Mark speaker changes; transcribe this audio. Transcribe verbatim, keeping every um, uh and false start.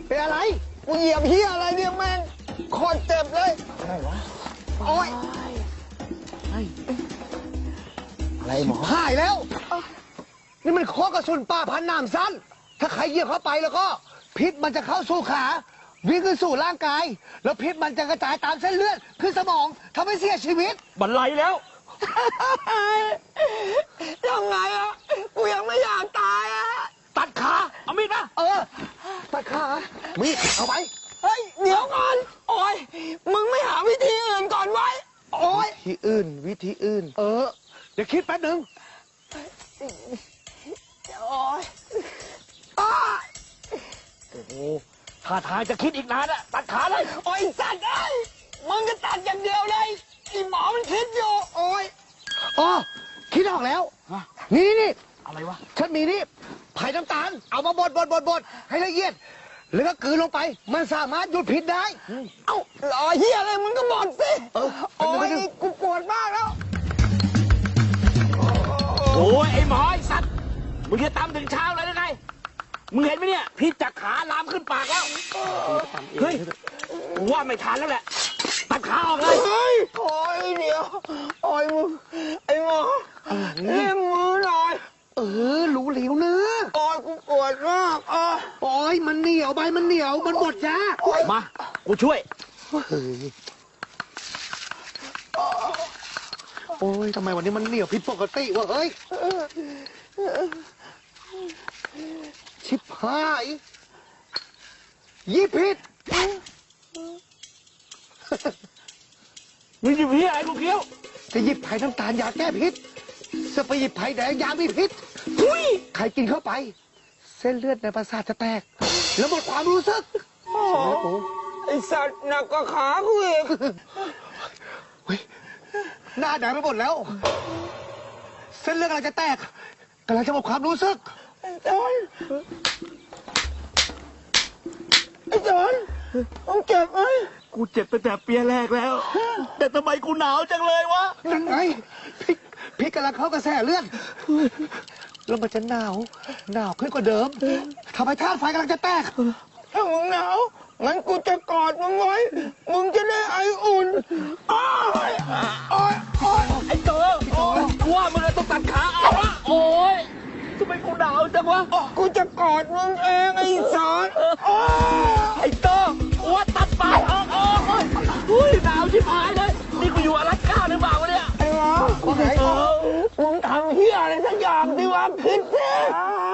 Speaker 1: เป็นอะไร
Speaker 2: กูเหยียบเฮียอะไรเนี่ยแม่งโคตรเจ็บเลย
Speaker 1: อะไรวะ
Speaker 2: โอ๊ย
Speaker 1: อะไรหมอหายแล้วนี่มันโคกระสุนป่าพันน้ำสั้นถ้าใครเหยียบเข้าไปแล้วก็พิษมันจะเข้าสู่ขาวิ่งขึ้นสู่ร่างกายแล้วพิษมันจะกระจายตามเส้นเลือดขึ้นสมองทำให้เสียชีวิต
Speaker 3: บันไลแล้ว
Speaker 2: ยังไงอ่ะกูยังไม่อยากตายอ่ะ
Speaker 3: ตัดขาเอามีดมา
Speaker 1: เออตัดขามีดเอาไป
Speaker 2: เฮ้ยเดี๋ยวก่อนโอ๊ยมึงไม่หาวิธีอื่นก่อนไว้โอ๊ย
Speaker 1: วิธีอื่นวิธีอื่นเออเดี๋ยวคิดแป๊บหนึ่ง
Speaker 2: โอ๊ย
Speaker 3: โอ้โหท่าทางจะคิดอีกนานอะตัดขาเลย
Speaker 2: โอ๊ยสัตว์ไอ้มึงก็ตัดอย่างเดียวเลยไอ้หมอมันคิดอยู่โอ๊ย
Speaker 1: อ๋อคิดออกแล้วนี่นี่
Speaker 3: อะไรวะ
Speaker 1: ฉันมีนี่ไผ่น้ำตาลเอามาบดบดบดบดให้ละเอียดแล้วก็กลืนลงไปมันสามารถหยุดพิษได้
Speaker 2: เอ้ารอเฮียอะไรมึงก็บอกสิโอ๊ยกูปวดมากแล้ว
Speaker 3: โอ้ยไอ้หมอไอ้สัตว์มึงจะตำถึงเช้าเลยได้ไงมึงเห็นไหมเนี่ยพิษจากขาลามขึ้นปากแล้วเฮ้ยว่าไม่ทันแล้วแหละตัดขาออกเลย
Speaker 2: เฮ้ยโอ๊ยเดี๋ยวโอ๊ยมึงไอ้หมอเล่มมือหน่อย
Speaker 1: เออรู้เหลวเนื้อ
Speaker 2: โอ๊ยกูปวดมากอ๋อ
Speaker 1: โอ๊ยมันเหนียวใบมันเหนียวมันบดยาก
Speaker 3: มากูช่วย
Speaker 1: โอ้ยทำไมวันนี้มันเหนียวผิดปกติวะเฮ้ยชิบหายยี่ผิด
Speaker 3: มึงหยิบพี่อะไรกูเกี้ยว
Speaker 1: จะหยิบไผ่น้ำตาลยาแก้พิษจะไปหยิบไผ่แดงยามีพิษใครกินเข้าไปเส้นเลือดในประสาทจะแตกแล้วหมดความรู้สึก
Speaker 2: โอ้ไอสัตว์หนักกว่าขากูอีก
Speaker 1: หน้าแดงไปหมดแล้วเส้นเลือดกำลังจะแตกกำลังจะหมดความรู้สึก
Speaker 2: ไอ้จอนไอ้จอนต้องเจ็บไหม
Speaker 3: กูเจ็บตั้งแต่เปียแรกแล้วแต่ทำไมกูหนาวจังเลยวะ
Speaker 1: นั่นไงพี่พี่กำลังเข้ากระแสเลือดแล้วมันจะหนาวหนาวขึ้นกว่าเดิมทำให้ธาตุไฟกำลังจะแตก
Speaker 2: ถ้ามึงหนาวงั้นกูจะกอดมึงไว้มึงจะได้ไออุ่นอ้อยอ้อยอ้อย
Speaker 3: ไอ้เต๋อโอ้ยว่ามึงต้องตัดขาเอาวะโอ้ยทำไมกูหนาวจังวะ
Speaker 2: กูจะกอดมึงเองไอ้สอน
Speaker 3: ไอ้เต๋อว่าตัดปากออกออกอุ้ยหนาวชิบหายเลยนี่กูอยู่อลาสก้าหรือเปล่าวะเนี่ย
Speaker 2: ไอ้หมอมึงทำเหี้ยอะไรสักอย่างดิวะพิษ